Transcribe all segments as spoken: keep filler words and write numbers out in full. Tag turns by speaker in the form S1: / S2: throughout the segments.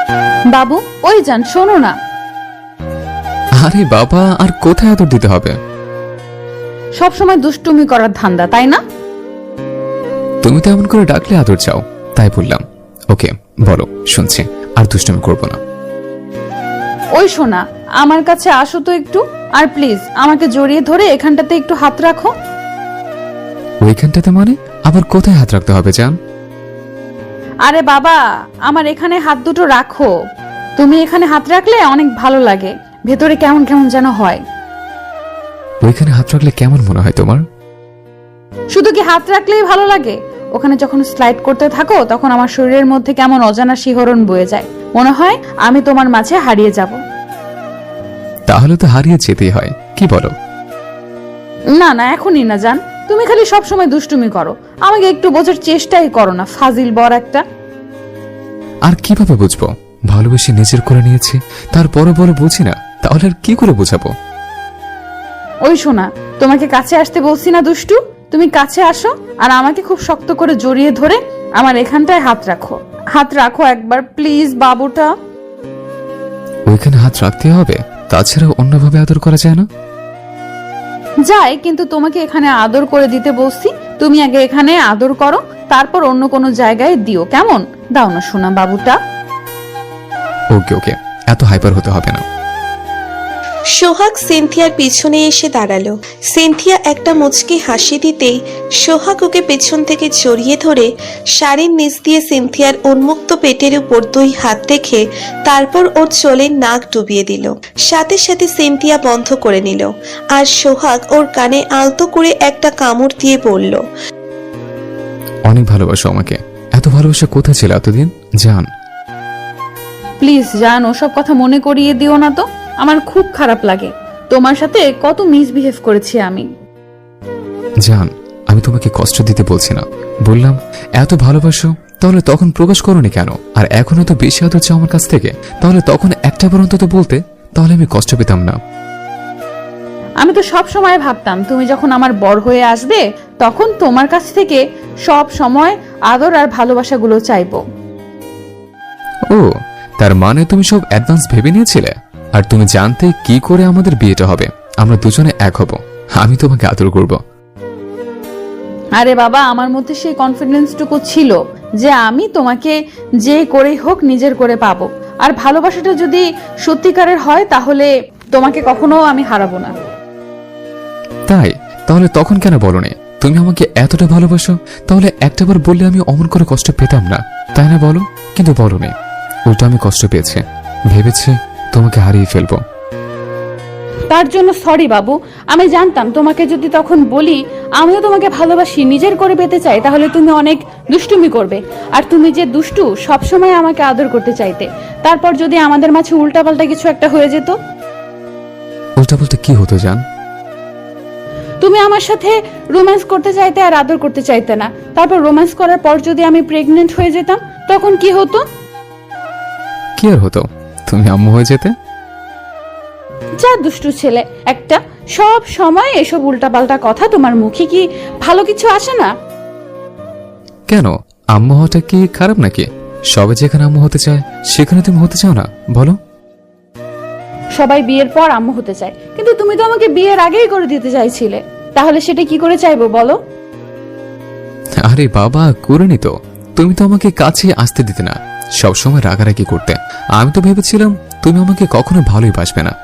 S1: বাবু ওই যান, শোনো না।
S2: আরে বাবা, আর কোথায় আদর দিতে হবে?
S1: সব সময় দুষ্টুমি করার ধান্দা, তাই না?
S2: তুমি তো এমন করে ডাকলে আদর চাও, তাই বললাম। ওকে বলো, শুনছি। আর দুষ্টুমি করবো না।
S1: ওই শোনা, আমার কাছে আসো তো একটু, আর প্লিজ আমাকে জড়িয়ে ধরে এখানটাতে একটু হাত রাখো।
S2: ওইখানটাতে মানে? আবার কোথায় হাত রাখতে হবে জান?
S1: আরে বাবা, আমার এখানে হাত দুটো রাখো। তুমি এখানে হাত রাখলে অনেক ভালো লাগে, ভেতরে কেমন কেমন যেন হয়।
S2: ওইখানে হাত রাখলে কেমন মনে হয় তোমার?
S1: শুধু কি হাত রাখলেই ভালো লাগে? ওখানে যখন স্লাইড করতে থাকো তখন আমার শরীরের মধ্যে কেমন অজানা শিহরণ বয়ে যায়, মনে হয় আমি তোমার মাঝে হারিয়ে যাব।
S2: তাহলে তো হারিয়ে যেতেই হয়, কি বলো?
S1: না না, এখনই না জান, তুমি খালি সব সময় দুষ্টুমি করো, আমাকে একটু বোঝার চেষ্টাই করো না, ফাজিল বর একটা।
S2: আর কিভাবে বুঝবো? ভালোবেসে নিজের করে নিয়েছি, তারপরও বলো বুঝি না, তাহলে আর কি করে বোঝাবো?
S1: ওই শোনা, তোমাকে কাছে আসতে বলছি না দুষ্টু, তুমি কাছে আসো আর আমাকে খুব শক্ত করে জড়িয়ে ধরে আমার এখানটায় হাত রাখো। হাত রাখো একবার প্লিজ বাবুটা।
S2: ওইখানে হাত রাখতে হবে, তাছাড়া অন্যভাবে আদর করা যায় না?
S1: যাই, কিন্তু তোমাকে এখানে আদর করে দিতে বলছি, তুমি আগে এখানে আদর করো, তারপর অন্য কোনো জায়গায় দিও, কেমন? দাও না শোনা বাবুটা।
S2: ওকে ওকে, এত হাইপার হতে হবে না।
S3: সোহাগ সিনথিয়ার পিছনে এসে দাঁড়ালো। সিনথিয়া একটা মুচকি হাসি দিতেই সোহাগ ওকে পেছন থেকে জড়িয়ে ধরে শাড়ির নিচ দিয়ে সিনথিয়ার উন্মুক্ত পেটের উপর দুই হাত রেখে তারপর ওর চোলে নাক ডুবিয়ে দিল। সাথে সাথে সিনথিয়া বন্ধ করে নিল, আর সোহাগ ওর কানে আলতো করে একটা কামড় দিয়ে বলল,
S2: অনেক ভালোবাসো আমাকে। এত ভালোবাসা কোথায় ছিল এতদিন জান?
S1: প্লিজ জান, ওসব কথা মনে করিয়ে দিও না তো, আমার খুব খারাপ লাগে। তোমার সাথে কত মিসবিহেভ করেছি আমি।
S2: জান, আমি তোমাকে কষ্ট দিতে বলছি না, বললাম এত ভালোবাসো, তাহলে তখন প্রকাশ করোনি কেন? আর এখনো তো বেশি আদর চাও আমার কাছ থেকে, তাহলে তখন একটা বার অন্তত বলতে, তাহলে আমি কষ্ট পেতাম না।
S1: আমি তো সব সময় ভাবতাম তুমি যখন আমার বর হয়ে আসবে তখন তোমার কাছ থেকে সব সময় আদর আর ভালোবাসাগুলো চাইবো।
S2: ও, তার মানে তুমি সব অ্যাডভান্স ভেবে নিয়েছিলে? আর তুমি জানতে কি করে আমাদের বিয়েটা হবে, আমরা দুজনে এক হব, আমি তোমাকে আদর করব।
S1: আরে বাবা, আমার মধ্যে সেই কনফিডেন্সটুকু ছিল যে আমি তোমাকে যে করেই হোক নিজের করে পাবো, আর ভালোবাসাটা যদি সত্যিকারের হয় তাহলে তোমাকে কখনো আমি হারাবো না।
S2: তাই? তাহলে তখন কেন বলনি তুমি আমাকে এতটা ভালোবাসো? তাহলে একটাবার বললে আমি অমন করে কষ্ট পেতাম না, তাই না বলো? কিন্তু বলনি, উল্টো আমি কষ্ট পেয়েছি, ভেবেছি তোমাকে হারিয়ে ফেলবো।
S1: তার জন্য সরি বাবু, আমি জানতাম তোমাকে যদি তখন বলি আমিও তোমাকে ভালোবাসি, নিজের করে পেতে চাই, তাহলে তুমি অনেক দুষ্টুমি করবে, আর তুমি যে দুষ্টু সবসময় আমাকে আদর করতে চাইতে, তারপর যদি আমাদের মাঝে উল্টাপাল্টা কিছু একটা হয়ে যেত।
S2: উল্টা বলতে কি হতো জান?
S1: তুমি আমার সাথে রোম্যান্স করতে চাইতে আর আদর করতে চাইতে না, তারপর রোম্যান্স করার পর যদি আমি প্রেগনেন্ট হয়ে যেতাম তখন কি হতো?
S2: কি আর হতো? তুমি আম্মু হয়ে যেতে।
S1: যা দুষ্টু ছেলে একটা, সব সময় এসব উল্টাপাল্টা কথা, তোমার মুখে কি ভালো কিছু আসে না?
S2: কেন, আম্মু হওয়াটা কি খারাপ নাকি? সবে যেখানে আম্মু হতে চায় সেখানে তুমি হতে চাও না, বলো?
S1: সবাই বিয়ের পর আম্মু হতে চায়, কিন্তু তুমি তো আমাকে বিয়ের আগেই করে দিতে চাইছিলে, তাহলে সেটা কি করে চাইবো বলো?
S2: আরে বাবা, করিনি তো। তুমি তো আমাকে কাছে আসতে দিতে না, সবসময় রাগারাগি করতে। আমি তো ভেবেছিলাম তুমি আমাকে কখনো ভালোই বাসবে না,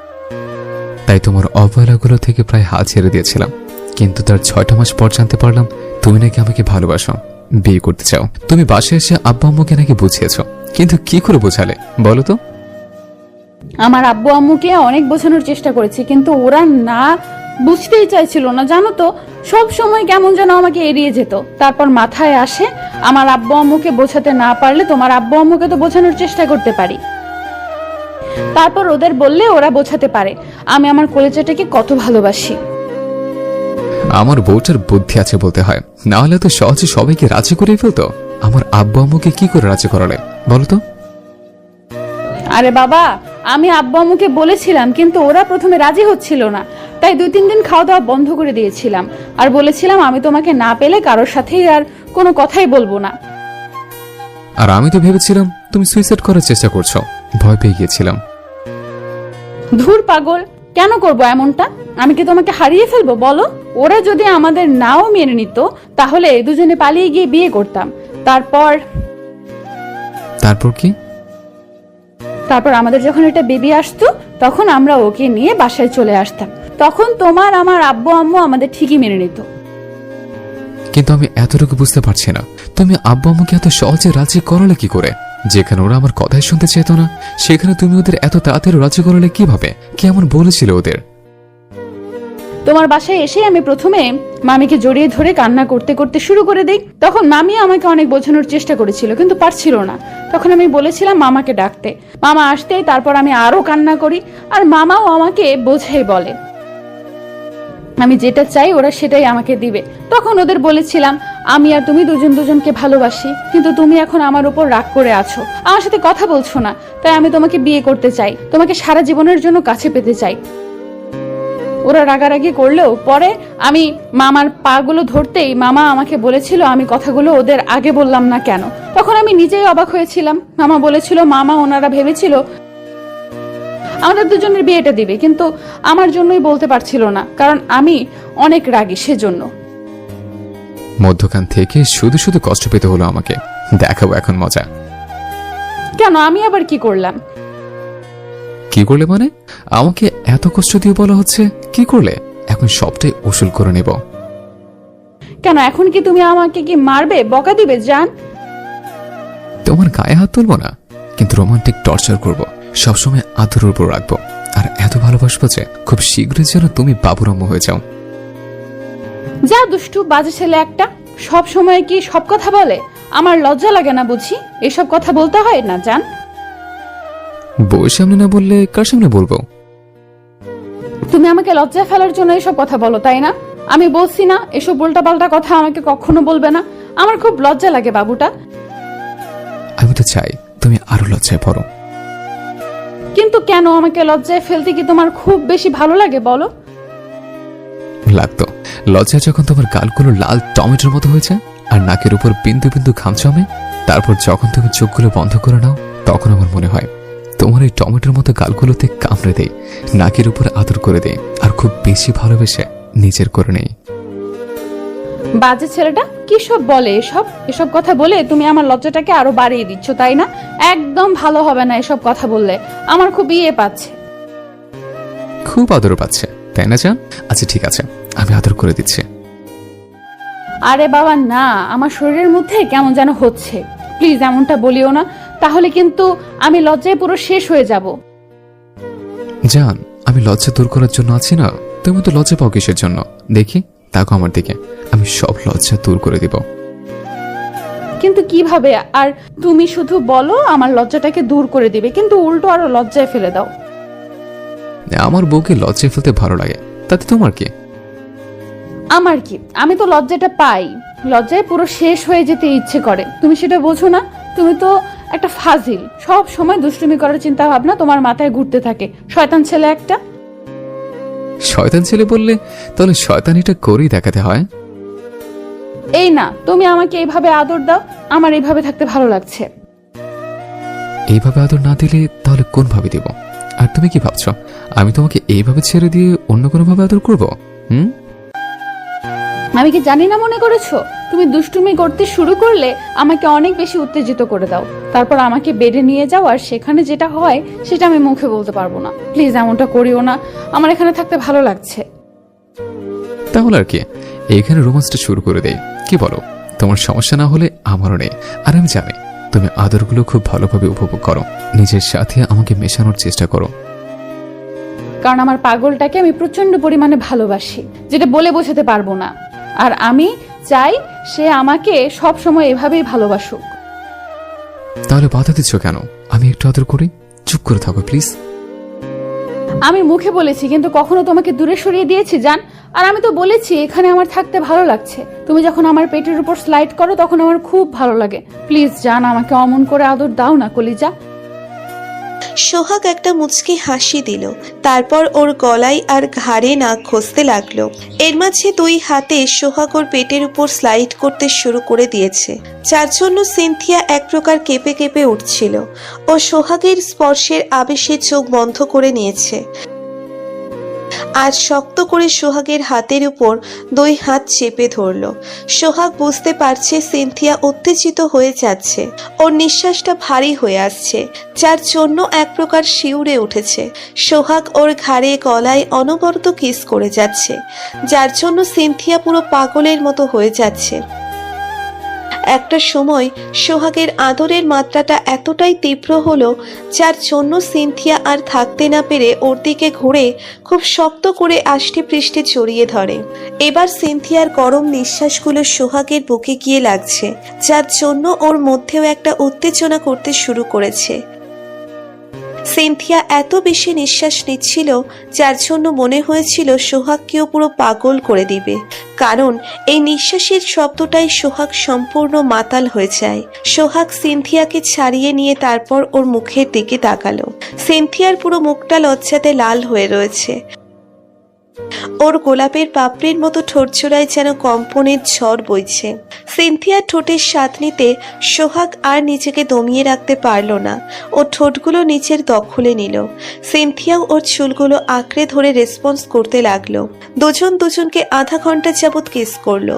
S2: তাই তোমার অবহেলাগুলো থেকে প্রায় হাল ছেড়ে দিয়েছিলাম। কিন্তু তার ছয়টা মাস পর জানতে পারলাম তুমি নাকি আমাকে ভালোবাসো, বিয়ে করতে চাও। তুমি বাসায় এসে আব্বা আম্মুকে নাকি বুঝিয়েছ, কিন্তু কি করে বোঝালে বলো তো?
S1: আমার আব্বু আম্মুকে অনেক বোঝানোর চেষ্টা করেছি, কিন্তু ওরা না বুঝতেই চাইছিল না, জানো তো, সব সময় কেমন যেন আমাকে এড়িয়ে যেত। তারপর মাথায় আসে আমার আব্বু আম্মুকে বোঝাতে না পারলে তোমার আব্বু আম্মুকে তো বোঝানোর চেষ্টা করতে পারি, তারপর ওদের বললে ওরা বোঝাতে পারে আমি আমার কলেজাটাকে কত ভালোবাসি।
S2: আমার বউটার বুদ্ধি আছে বলতে হয়, না হলে তো সহজে সবাইকে রাজি করে ফেলতো। আমার আব্বু আম্মুকে কি করে রাজি করালে বলো তো?
S1: আরে বাবা, আমি আব্বু আম্মুকে বলেছিলাম, কিন্তু ওরা প্রথমে রাজি হচ্ছিল না, তাই দুই তিন দিন খাওয়া দাওয়া বন্ধ করে দিয়েছিলাম, আর বলেছিলাম আমি তোমাকে না পেলে কারোর সাথেই আর কোনো কথাই বলবো না।
S2: আর আমি তো ভেবেছিলাম তুমি সুইসাইড করার চেষ্টা করছো। ভয় পেয়ে গিয়েছিলাম।
S1: ধুর পাগল, কেন করব এমনটা? আমি কি তোমাকে হারিয়ে ফেলবো বলো? ওরা যদি আমাদের নাও মেনে নিত তাহলে দুজনে পালিয়ে গিয়ে বিয়ে করতাম। তারপর
S2: তারপর কি?
S1: তারপর আমাদের যখন একটা বেবি আসতো তখন আমরা ওকে নিয়ে বাসায় চলে আসতাম। তখন তোমার আমার আব্বু আম্মু আমাদের ঠিকই মেনে নিত।
S2: কিন্তু আমি এতটুকু বুঝতে পারছি না, তুমি আব্বু আম্মুকে এত সহজে রাজি করালে কি করে? যেখানে ওরা আমার কথাই শুনতে চেত না, সেখানে তুমি ওদের এত তাড়াতাড়ি রাজি করালে কিভাবে? কেমন বলেছিল ওদের?
S1: তোমার বাসায় এসে আমি প্রথমে মামিকে জড়িয়ে ধরে কান্না করতে করতে শুরু করে দেই। তখন মামি আমাকে অনেক বোঝানোর চেষ্টা করেছিল, কিন্তু পারছিল না। তখন আমি বলেছিলাম মামাকে ডাকতে। মামা আসতেই তারপর আমি আরো কান্না করি, আর মামাও আমাকে বোঝাই বলে আমি যেটা চাই ওরা সেটাই আমাকে দিবে। তখন ওদের বলেছিলাম আমি আর তুমি দুজন দুজনকে ভালোবাসি, কিন্তু তুমি এখন আমার উপর রাগ করে আছো, আমার সাথে কথা বলছো না, তাই আমি তোমাকে বিয়ে করতে চাই, তোমাকে সারা জীবনের জন্য কাছে পেতে চাই। ওরা রাগারাগি করলেও পরে আমি মামার পা গুলো ধরতেই মামা আমাকে বলেছিল আমি কথাগুলো ওদের আগে বললাম না কেন। তখন আমি নিজেই অবাক হয়েছিলাম। মামা বলেছিল মামা ওনারা ভেবেছিল আমাদের দুজনের বিয়েটা দিবে, কিন্তু আমার জন্যই বলতে পারছিল না, কারণ আমি অনেক রাগী সেজন্য।
S2: মধ্যখান থেকে শুধু শুধু কষ্ট পেতে হলো আমাকে। দেখাবো এখন মজা।
S1: কেন? আমি আবার কি করলাম?
S2: কি করলে মানে? আমাকে এত কষ্ট দিয়ে বলা হচ্ছে কি করলে? এখন সবটাই উসুল করে নেব।
S1: কেন এখন কি তুমি আমাকে কি মারবে, বকা দিবে জান?
S2: তোমার গায়ে হাত তুলবো না, কিন্তু রোমান্টিক টর্চার করব, সবসময় আদরের উপর রাখবো, আর এত ভালোবাসবো যে খুব শীঘ্রই যেন তুমি বাবুরাম্য হয়ে যাও।
S1: যা দুষ্টু বাজে ছেলে একটা, সব সময় কি সব কথা বলে? আমার লজ্জা লাগে না বুঝি? এসব কথা বলতে হয় না জান?
S2: বউয়ের সামনে না বললে কার সামনে বলবো?
S1: তুমি আমাকে লজ্জায় ফেলার জন্য এসব কথা বলো, তাই না? আমি বলছি না এসব উল্টাপাল্টা কথা আমাকে কখনো বলবে না। আমার খুব লজ্জা লাগে বাবুটা।
S2: আমি তো চাই তুমি আরো লজ্জায় পড়ো।
S1: কিন্তু কেন? আমাকে লজ্জায় ফেলতে কি তোমার খুব বেশি ভালো লাগে বলো?
S2: লাগতো। লজ্জায় যখন তোমার গালগুলো লাল টমেটোর মতো হয়েছে আর নাকের উপর বিন্দু বিন্দু ঘাম জমে, তারপর যখন তুমি চোখগুলো বন্ধ করে নাও, তখন আমার মনে হয় তোমার এই টমেটোর মতো গালগুলোতে কামড়ে দেই, নাকের উপর আদর করে দেই, আর খুব বেশি ভালোবেসে নিজের করে নেই।
S1: বাজে ছেলেটা কি সব বলে? এসব এসব কথা বলে তুমি আমার লজ্জাটাকে আরো বাড়িয়ে দিচ্ছ, তাই না? একদম ভালো হবে না এসব কথা বললে। আমার খুব ইয়ে পাচ্ছে।
S2: খুব আদর পাচ্ছে তাই না জান? আচ্ছা ঠিক আছে, আমি আদর করে দিচ্ছি।
S1: আরে বাবা না, আমার শরীরের মধ্যে কেমন যেন হচ্ছে। প্লিজ এমনটা বলিও না, তাহলে কিন্তু আমি লজ্জায় পুরো শেষ হয়ে যাব।
S2: জান, আমি লজ্জা দূর করার জন্য আছি না। তুমি তো লজ্জা পাও কিসের জন্য? দেখি, তাকো আমার দিকে, আমি সব লজ্জা দূর করে দিব।
S1: কিন্তু কিভাবে? আর তুমি শুধু বলো আমার লজ্জাটাকে দূর করে দিবে, কিন্তু উল্টো আরো লজ্জায় ফেলে দাও।
S2: আমার বউকে লজ্জায় ফেলতে ভালো লাগে, তাতে তোমার কি?
S1: আমার কি? আমি তো লজ্জাটা পাই, লজ্জায় পুরো শেষ হয়ে যেতে ইচ্ছে করে। তুমি সেটা বোঝো না? তুমি তো একটা ফাজিল, সব সময় দুষ্টুমি করার চিন্তা ভাবনা তোমার মাথায় ঘুরতে থাকে। শয়তান ছেলে একটা।
S2: শয়তান ছেলে বললে তাহলে শয়তানিটা করেই দেখাতে হয়।
S1: এই না, তুমি আমাকে এইভাবে আদর দাও, আমার এইভাবে থাকতে ভালো লাগছে।
S2: এইভাবে আদর না দিলে তাহলে কোন ভাবে দিব? আর তুমি কি ভাবছো আমি তোমাকে এইভাবে ছেড়ে দিয়ে অন্য কোনো ভাবে আদর করব? হুম,
S1: আমি কি জানি না মনে করেছো? তুমি দুষ্টুমি করতে শুরু করলে আমাকে অনেক বেশি উত্তেজিত করে দাও, তারপর আমাকে বেডে নিয়ে যাও, আর সেখানে যেটা হয় সেটা আমি মুখে বলতে পারবো না। প্লিজ এমনটা করিও না, আমার এখানে থাকতে ভালো লাগছে।
S2: তাহলে আর কি, এইখানে রোমান্সটা শুরু করে দেই, কি বলো? তোমার সমস্যা না হলে আমারও নেই। আর আমি জানি তুমি আদরগুলো খুব ভালোভাবে উপভোগ করো, নিজের সাথে আমাকে মেশানোর চেষ্টা করো।
S1: কারণ আমার পাগলটাকে আমি প্রচন্ড পরিমাণে ভালোবাসি, যেটা বলে বোঝাতে পারবো না। আর আমি চাই সে আমাকে সব সময় এভাবেই ভালোবাসুক।
S2: তাহলে বাধা দিচ্ছ কেন? আমি একটু আদর করি, চুপ করে থাকো প্লিজ।
S1: আমি মুখে বলেছি, কিন্তু কখনো তোমাকে দূরে সরিয়ে দিয়েছি জান? আর আমি তো বলেছি এখানে আমার থাকতে ভালো লাগছে। তুমি যখন আমার পেটের উপর স্লাইড করো তখন আমার খুব ভালো লাগে। প্লিজ জান, আমাকে অমন করে আদর দাও না কলিজা।
S3: সোহাগ একটা মুচকি হাসি দিল, তারপর ওর গলায় আর ঘাড়ে নাক ঘষতে লাগলো। এর মাঝে দুই হাতে সোহাগ ওর পেটের উপর স্লাইড করতে শুরু করে দিয়েছে, যার জন্য সিনথিয়া এক প্রকার কেঁপে কেঁপে উঠছিল ও সোহাগের স্পর্শের আবেশে চোখ বন্ধ করে নিয়েছে। আজ শক্ত করে সোহাগের হাতের উপর দুই হাত চেপে ধরল। সোহাগ বুঝতে পারছে সিনথিয়া উত্তেজিত হয়ে যাচ্ছে, ওর নিঃশ্বাসটা ভারী হয়ে আসছে, যার জন্য এক প্রকার শিউরে উঠেছে। সোহাগ ওর ঘাড়ে গলায় অনবরত কিস করে যাচ্ছে, যার জন্য সিনথিয়া পুরো পাগলের মতো হয়ে যাচ্ছে। একটা সময় সোহাগের আদরের মাত্রাটা এতটাই তীব্র হলো, যার জন্য সিনথিয়া আর থাকতে না পেরে ওর দিকে ঘুরে খুব শক্ত করে আষ্টে পৃষ্ঠে জড়িয়ে ধরে। এবার সিনথিয়ার গরম নিঃশ্বাসগুলো সোহাগের বুকে গিয়ে লাগছে, যার জন্য ওর মধ্যেও একটা উত্তেজনা করতে শুরু করেছে। সিনথিয়া এত বেশি নিঃশ্বাস নিচ্ছিল, যার জন্য মনে হয়েছিল সোহাগকেও পুরো পাগল করে দিবে, কারণ এই নিঃশ্বাসের শব্দটাই সোহাগ সম্পূর্ণ মাতাল হয়ে যায়। সোহাগ সিনথিয়াকে ছাড়িয়ে নিয়ে তারপর ওর মুখের দিকে তাকালো। সিনথিয়ার পুরো মুখটা লজ্জাতে লাল হয়ে রয়েছে, ওর গোলাপের পাপড়ির মতো ঠোঁটজোড়ায় যেন কম্পনের ঝড় বইছে। সিনথিয়ার ঠোঁটের স্বাদ নিতে সোহাগ আর নিজেকে দমিয়ে রাখতে পারল না, ও ঠোঁটগুলো নিচের দখলে নিল। সিনথিয়াও ওর চুলগুলো আঁকড়ে ধরে রেসপন্স করতে লাগলো। দুজন দুজনকে আধা ঘন্টা যাবৎ কিস করলো।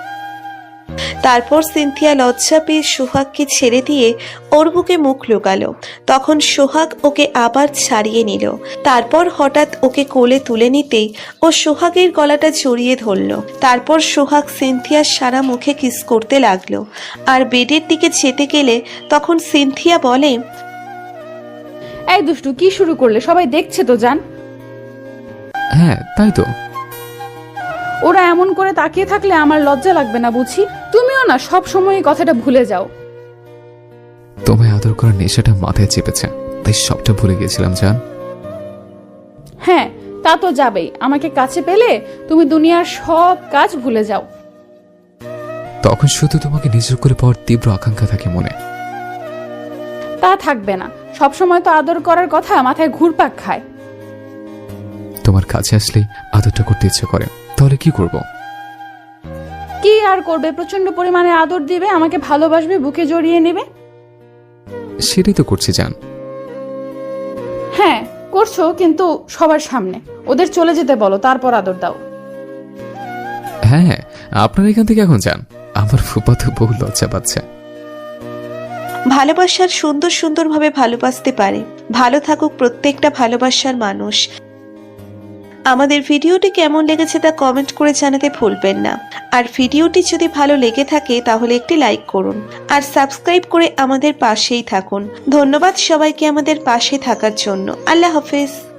S3: তারপর সিনথিয়া লজ্জা পেয়ে সোহাগকে ছেড়ে দিয়ে ওর বুকে মুখ লুকালো। তখন সোহাগ ওকে আবার ছাড়িয়ে নিল, তারপর হঠাৎ ওকে কোলে তুলে নিতেই ও সোহাগের গলাটা জড়িয়ে ধরল। তারপর সোহাগ সিনথিয়ার সারা মুখে কিস করতে লাগলো। আর বেডের দিকে যেতে গেলে তখন সিনথিয়া বলে,
S1: এই দুষ্টু, কি শুরু করলে? সবাই দেখছে তো জান।
S2: হ্যাঁ তাই তো।
S1: ওরা এমন করে তাকিয়ে থাকলে আমার লজ্জা লাগবে না বুঝি? তুমিও না সব সময় এই কথাটা ভুলে যাও।
S2: তোমায় আদর করার নেশাটা মাথায় চেপেছে, তাই সবটা ভুলে গেছিলাম জান।
S1: হ্যাঁ, তা তো যাবেই। আমাকে কাছে পেলে তুমি দুনিয়ার সব কাজ ভুলে যাও।
S2: তখন শুধু তোমাকে নিজের করে পাওয়ার তীব্র আকাঙ্ক্ষা থাকে মনে।
S1: তা থাকবে না, সব সময় তো আদর করার কথা মাথায় ঘুরপাক খায়।
S2: তোমার কাছে আসলেই আদরটা করতে ইচ্ছে করে, তাহলে কি করব?
S1: কি আর করবে? প্রচন্ড পরিমাণে আদর দিবে, আমাকে ভালোবাসবে, বুকে জড়িয়ে নেবে।
S2: সেটাই তো করছি জান।
S1: হ্যাঁ করছো, কিন্তু সবার সামনে। ওদের চলে যেতে বলো, তারপর আদর দাও।
S2: হ্যাঁ হ্যাঁ, আপনার এখান থেকে এখন যান, আমার ফুপাতো বহু লজ্জা পাচ্ছে।
S3: ভালোবাসার সুন্দর সুন্দরভাবে ভালোবাসতে পারে। ভালো থাকুক প্রত্যেকটা ভালোবাসার মানুষ। আমাদের ভিডিওটি কেমন লেগেছে তা কমেন্ট করে জানাতে ভুলবেন না। আর ভিডিওটি যদি ভালো লেগে থাকে তাহলে একটি লাইক করুন আর সাবস্ক্রাইব করে আমাদের পাশেই থাকুন। ধন্যবাদ সবাইকে আমাদের পাশে থাকার জন্য। আল্লাহ হাফেজ।